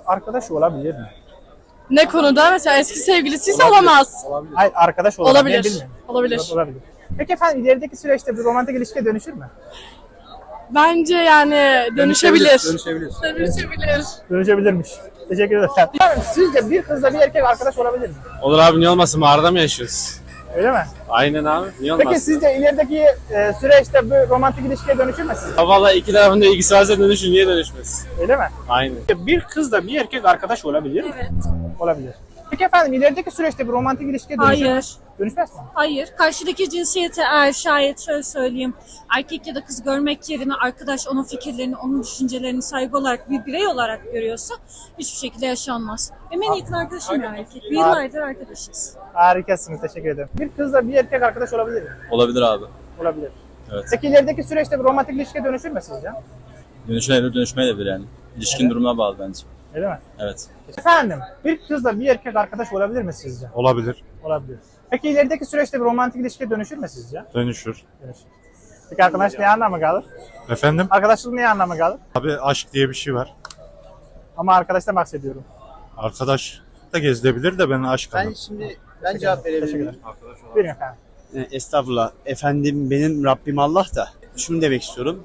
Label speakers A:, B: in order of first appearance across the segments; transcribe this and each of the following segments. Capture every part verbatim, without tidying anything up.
A: arkadaş olabilir mi?
B: Ne konuda? Mesela eski sevgilisiyse olamaz.
A: Olabilir. Hayır, arkadaş olabilir.
B: Olabilir.
A: Bilmiyorum.
B: Olabilir.
A: Olabilir. Peki efendim ilerideki süreçte bir romantik ilişkiye dönüşür mü?
B: Bence yani dönüşebilir.
C: Dönüşebilir.
B: Dönüşebilir.
A: Dönüşebilirmiş. Teşekkür ederim. Efendim sizce bir kızla bir erkek arkadaş olabilir mi?
C: Olur abi, niye olmasın? Mağarada mı yaşıyoruz?
A: Öyle mi?
C: Aynen abi, niye olmasın?
A: Peki sizce ilerideki e, süreçte bu romantik ilişkiye dönüşür mü sizce?
C: Ha valla iki tarafın da ilgisi varsa dönüşür, niye dönüşmez?
A: Öyle mi?
C: Aynen.
A: Bir kızla bir erkek arkadaş olabilir mi?
D: Evet.
A: Olabilir. Peki efendim ilerideki süreçte bir romantik ilişkiye dönüşür mü?
D: Hayır.
A: Dönüşmez mi?
D: Hayır. Karşıdaki cinsiyete eğer şayet şöyle söyleyeyim. Erkek ya da kız görmek yerine arkadaş onun fikirlerini, onun düşüncelerini saygı olarak bir birey olarak görüyorsa hiçbir şekilde yaşanmaz. Benim en yakın arkadaşım ya erkek. Bir yıllardır arkadaşız.
A: Harikasınız. Teşekkür ederim. Bir kızla bir erkek arkadaş olabilir mi?
E: Olabilir abi.
A: Olabilir.
E: Evet.
A: Peki ilerideki süreçte bir romantik ilişkiye dönüşür mü sizce?
E: Dönüşebilir, dönüşmeyebilir yani. İlişkin
A: Evet.
E: durumuna bağlı bence.
A: Öyle mi?
E: Evet.
A: Efendim bir kızla bir erkek arkadaş olabilir mi sizce?
F: Olabilir.
A: Olabilir. Peki ilerideki süreçte bir romantik ilişkiye dönüşür mü sizce?
F: Dönüşür.
A: Dönüşür. Peki arkadaş ne anlamı kalır?
F: Efendim?
A: Arkadaşlık ne anlamı kalır?
F: Abi aşk diye bir şey var.
A: Ama arkadaştan bahsediyorum.
F: Arkadaş da gezilebilir de ben aşk
G: Ben
F: adamım.
G: şimdi ben cevap
A: Teşekkür
G: verebilirim.
A: ederim. Buyurun efendim.
G: E, Estağfurullah. Efendim benim Rabbim Allah da. Şunu demek istiyorum.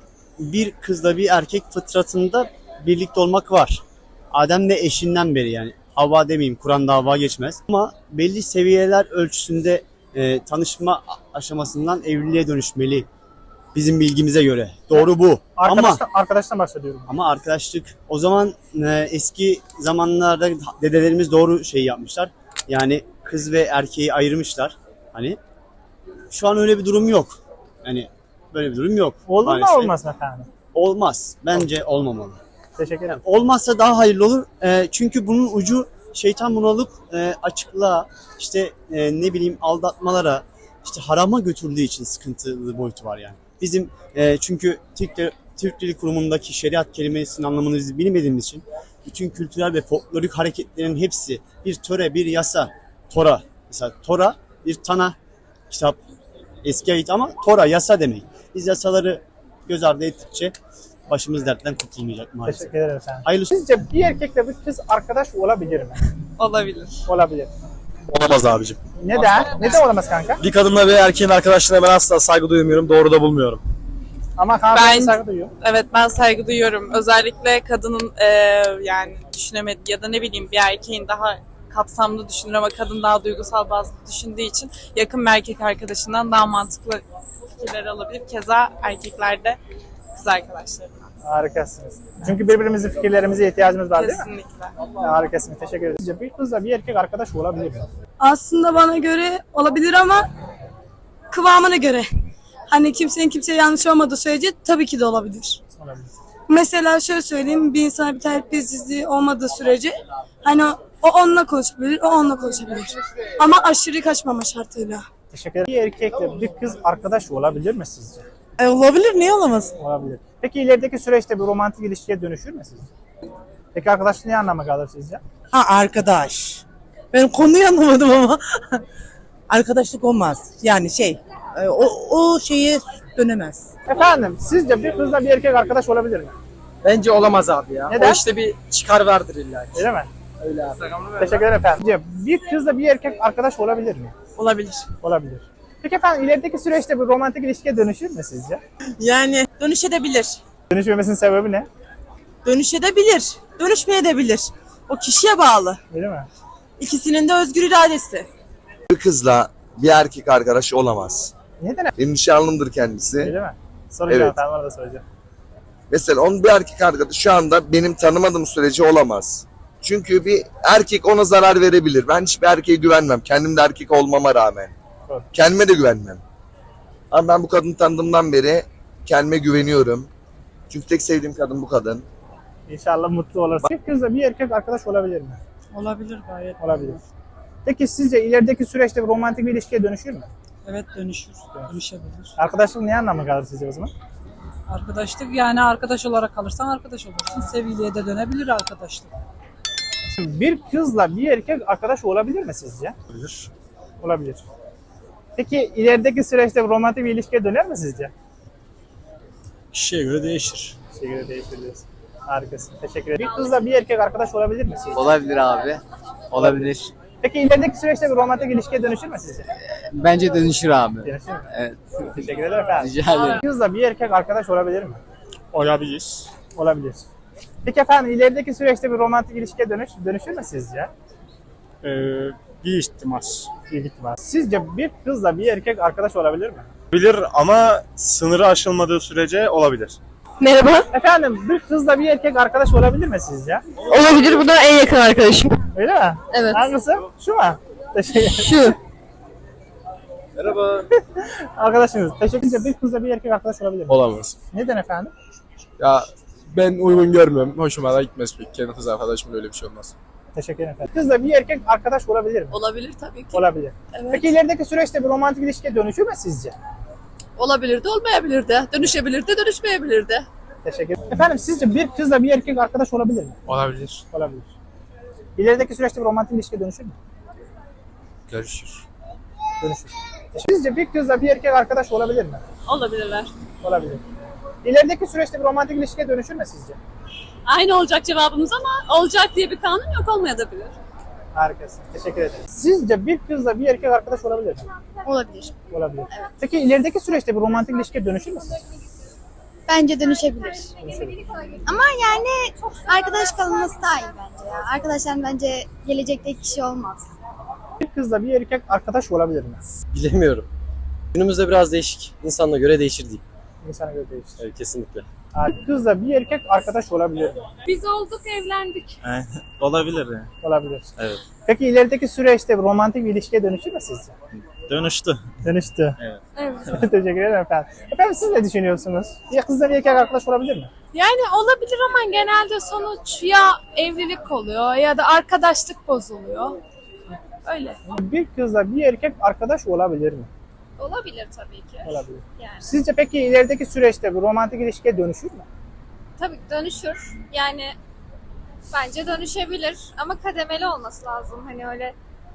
G: Bir kızla bir erkek fıtratında birlikte olmak var. Adem de eşinden beri yani. Havva demeyeyim, Kur'an'da Havva geçmez. Ama belli seviyeler ölçüsünde e, tanışma aşamasından evliliğe dönüşmeli. Bizim bilgimize göre. Doğru bu. Ama
A: Arkadaştan, arkadaştan bahsediyorum.
G: Ama arkadaşlık o zaman e, eski zamanlarda dedelerimiz doğru şey yapmışlar. Yani kız ve erkeği ayırmışlar. Hani şu an öyle bir durum yok. Yani böyle bir durum yok.
A: Olur mu
G: maalesef.
A: olmaz mı efendim?
G: Olmaz. Bence olmamalı.
A: Teşekkür ederim.
G: Olmazsa daha hayırlı olur. E, çünkü bunun ucu şeytan bunu alıp e, açıklığa, işte e, ne bileyim aldatmalara, işte harama götürdüğü için sıkıntılı boyutu var yani. Bizim e, çünkü Türk, Türk Dili Kurumu'ndaki şeriat kelimesinin anlamını biz bilmediğimiz için bütün kültürel ve folklorik hareketlerin hepsi bir töre, bir yasa, Tora. Mesela Tora bir Tana kitap, eski ait ama Tora yasa demek. Biz yasaları göz ardı ettikçe başımız dertten kurtulmayacak maalesef.
A: Teşekkür ederim efendim.
G: Hayırlısı.
A: Sizce bir erkekle bir kız arkadaş olabilir mi?
B: Olabilir.
A: Olabilir.
C: Olamaz abicim.
A: Neden? Neden olamaz kanka?
C: Bir kadınla bir erkeğin arkadaşlığına ben asla saygı duymuyorum, doğru da bulmuyorum.
A: Ama hanımefendi
B: Ben-
A: saygı duyuyor.
B: Evet, ben saygı duyuyorum. Özellikle kadının e, yani düşünemediği ya da ne bileyim bir erkeğin daha kapsamlı düşünür ama kadın daha duygusal bazı düşündüğü için yakın bir erkek arkadaşından daha mantıklı fikirler alabilir. Keza erkeklerde kız arkadaşlarından.
A: Harikasınız. Çünkü birbirimizin fikirlerimize ihtiyacımız var değil mi?
B: Kesinlikle.
A: Harikasınız. Teşekkür ederim. Sizce bir kızla bir erkek arkadaş olabilir mi?
H: Aslında bana göre olabilir ama kıvamına göre. Hani kimsenin kimseye yanlış olmadığı sürece tabii ki de olabilir.
A: Olabilir.
H: Mesela şöyle söyleyeyim, bir insana bir terbiyesizliği olmadığı sürece hani o, o onunla konuşabilir, o onunla konuşabilir. Ama aşırı kaçmama şartıyla.
A: Teşekkür ederim. Bir erkekle bir kız arkadaş olabilir mi sizce?
B: E, olabilir, niye olamaz?
A: Olabilir. Peki ilerideki süreçte bir romantik ilişkiye dönüşür mü sizce? Peki arkadaşlık ne anlama kalır sizce?
I: Ha arkadaş. Ben konuyu anlamadım ama. Arkadaşlık olmaz. Yani şey, e, o, o şeye dönemez.
A: Efendim sizce bir kızla bir erkek arkadaş olabilir mi?
G: Bence olamaz abi ya.
A: Neden?
G: O işte bir çıkar vardır illa ki.
A: Öyle mi?
G: Öyle abi.
A: Teşekkür ederim efendim. Sizce bir kızla bir erkek arkadaş olabilir mi?
B: Olabilir.
A: Olabilir. Peki efendim ilerideki süreçte bir romantik ilişkiye dönüşür mü sizce?
I: Yani dönüşebilir.
A: Dönüşmemesinin sebebi ne?
I: Dönüşebilir. Dönüşmeyebilir. O kişiye bağlı.
A: Öyle mi?
I: İkisinin de özgür iradesi.
J: Bir kızla bir erkek arkadaş olamaz.
A: Neden?
J: Benim nişanlımdır kendisi.
A: Öyle mi? Soracağım
J: Evet.
A: tamam, onu da soracağım.
J: Mesela onun bir erkek arkadaşı şu anda benim tanımadığım sürece olamaz. Çünkü bir erkek ona zarar verebilir. Ben hiçbir erkeğe güvenmem. Kendim de erkek olmama rağmen.
A: Doğru.
J: Kendime de güvenmem. Ama ben bu kadını tanıdığımdan beri kendime güveniyorum. Çünkü tek sevdiğim kadın bu kadın.
A: İnşallah mutlu olursa. Bir kızla bir erkek arkadaş olabilir mi?
I: Olabilir gayet.
A: Olabilir. Peki sizce ilerideki süreçte bir romantik bir ilişkiye dönüşür mü?
I: Evet dönüşür. Dönüşebilir.
A: Arkadaşlık ne anlamı kalır sizce o zaman?
I: Arkadaşlık yani arkadaş olarak kalırsan arkadaş olursun. Sevgiliye de dönebilir arkadaşlık.
A: Şimdi bir kızla bir erkek arkadaş olabilir mi sizce?
F: Olabilir.
A: Olabilir. Peki ilerideki süreçte bir romantik bir ilişkiye döner mi sizce?
C: Kişiye göre değişir.
A: Şeye göre değişir diyorsun. Harikasın. Teşekkür ederim. Bir kızla bir erkek arkadaş olabilir mi sizce?
K: Olabilir abi. Olabilir.
A: Peki ilerideki süreçte bir romantik ilişkiye dönüşür mü sizce?
K: Bence dönüşür abi.
A: Dönüşür mü?
K: Evet.
A: Teşekkür ederim efendim.
K: Rica ederim.
A: Bir kızla bir erkek arkadaş olabilir mi?
C: Olabilir.
A: Olabilir. Peki efendim ilerideki süreçte bir romantik ilişkiye dönüş, dönüşür mü sizce?
C: Ee, bir ihtimal.
A: Bir ihtimal. Sizce bir kızla bir erkek arkadaş olabilir mi?
C: Olabilir ama sınırı aşılmadığı sürece olabilir.
H: Merhaba.
A: Efendim bir kızla bir erkek arkadaş olabilir mi sizce?
H: Olabilir. Bu da en yakın arkadaşım.
A: Öyle mi?
H: Evet.
A: Hangisi? Şu mu? Teşekkür ederim.
H: Şu.
C: Merhaba.
A: Arkadaşınız. Teşekkür ederim. Bir kızla bir erkek arkadaş olabilir mi?
C: Olamaz.
A: Neden efendim?
C: Ya ben uygun görmüyorum. Hoşuma da gitmez pek. Kendi kız arkadaşımın öyle bir şey olmaz.
A: Teşekkür ederim efendim. Kızla bir erkek arkadaş olabilir mi?
B: Olabilir tabii ki.
A: Olabilir.
B: Evet.
A: Peki ilerideki süreçte bir romantik ilişkiye dönüşür mü sizce?
B: Olabilir de olmayabilir de. Dönüşebilir de dönüşmeyebilir de.
A: Teşekkür ederim. Efendim sizce bir kızla bir erkek arkadaş olabilir mi?
C: Olabilir.
A: Olabilir. İlerideki süreçte bir romantik ilişkiye dönüşür mü?
C: Görüşür.
A: Dönüşür. Sizce bir kızla bir erkek arkadaş olabilir mi?
B: Olabilirler.
A: Olabilir. İlerideki süreçte bir romantik ilişkiye dönüşür mü sizce?
B: Aynı olacak cevabımız ama olacak diye bir kanun yok, olmayabilir.
A: Harikasın. Teşekkür ederim. Sizce bir kızla bir erkek arkadaş olabilir mi?
H: Olabilir.
A: Olabilir. Peki ilerideki süreçte bir romantik ilişkiye dönüşür mü sizce?
H: Bence dönüşebilir. Ama yani arkadaş kalınması daha iyi bence ya. Arkadaşlar bence gelecekteki kişi olmaz.
A: Bir kızla bir erkek arkadaş olabilir mi?
C: Bilemiyorum. Günümüzde biraz değişik. İnsanla göre değişir diyeyim.
A: İnsana göre değişir.
C: Evet, kesinlikle.
A: Bir kızla bir erkek arkadaş olabilir mi?
D: Biz olduk, evlendik.
C: Olabilir yani.
A: Olabilir.
C: Evet.
A: Peki ilerideki süreçte bir romantik bir ilişkiye dönüşür mü sizce?
C: Dönüştü.
A: Dönüştü.
C: Evet.
D: Evet.
A: Teşekkür ederim efendim. Efendim siz ne düşünüyorsunuz? Bir kızla bir erkek arkadaş olabilir mi?
D: Yani olabilir ama genelde sonuç ya evlilik oluyor ya da arkadaşlık bozuluyor. Öyle.
A: Bir kızla bir erkek arkadaş olabilir mi?
D: Olabilir tabii ki.
A: Olabilir.
D: Yani
A: Sizce peki ilerideki süreçte bir romantik ilişkiye dönüşür mü?
D: tabii ki dönüşür. Yani bence dönüşebilir ama kademeli olması lazım. Hani öyle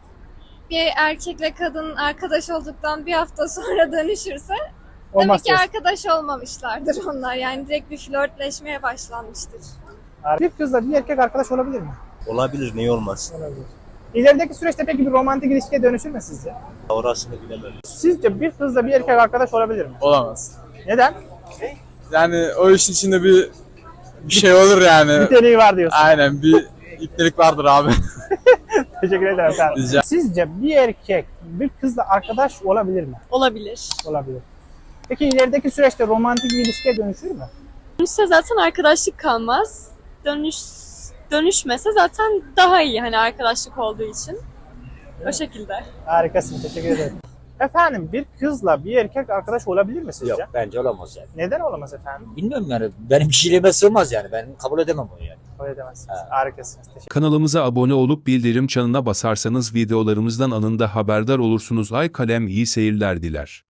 D: bir erkekle kadın arkadaş olduktan bir hafta sonra dönüşürse
A: Olmaz
D: demek ki
A: diyorsun.
D: arkadaş olmamışlardır onlar. Yani direkt bir flörtleşmeye başlanmıştır.
A: Bir kızla bir erkek arkadaş olabilir mi?
C: Olabilir. Niye olmaz?
A: Olabilir. İlerideki süreçte peki bir romantik ilişkiye dönüşür mü sizce?
C: Orasını bilemem.
A: Sizce bir kızla bir erkek arkadaş olabilir mi?
C: Olamaz.
A: Neden?
C: Yani o işin içinde bir bir şey olur yani.
A: Niteliği var diyorsun.
C: Aynen bir iptelik vardır abi.
A: Teşekkür ederim efendim.
C: Rica-
A: Sizce bir erkek bir kızla arkadaş olabilir mi?
B: Olabilir.
A: Olabilir. Peki ilerideki süreçte romantik bir ilişkiye dönüşür mü?
B: Dönüşse zaten arkadaşlık kalmaz. Dönüş dönüşmese zaten daha iyi hani arkadaşlık olduğu için. O şekilde.
A: Harikasın. Teşekkür ederim. Efendim bir kızla bir erkek arkadaş olabilir mi sizce?
K: Yok bence olamaz yani.
A: Neden olamaz efendim?
K: Bilmiyorum yani benim kişiliğime sığmaz yani. Ben kabul edemem onu yani.
A: Kabul edemezsiniz.
K: Ha.
A: Harikasınız. Teşekkür
L: Kanalımıza abone olup bildirim çanına basarsanız videolarımızdan anında haberdar olursunuz. Ay kalem iyi seyirler diler.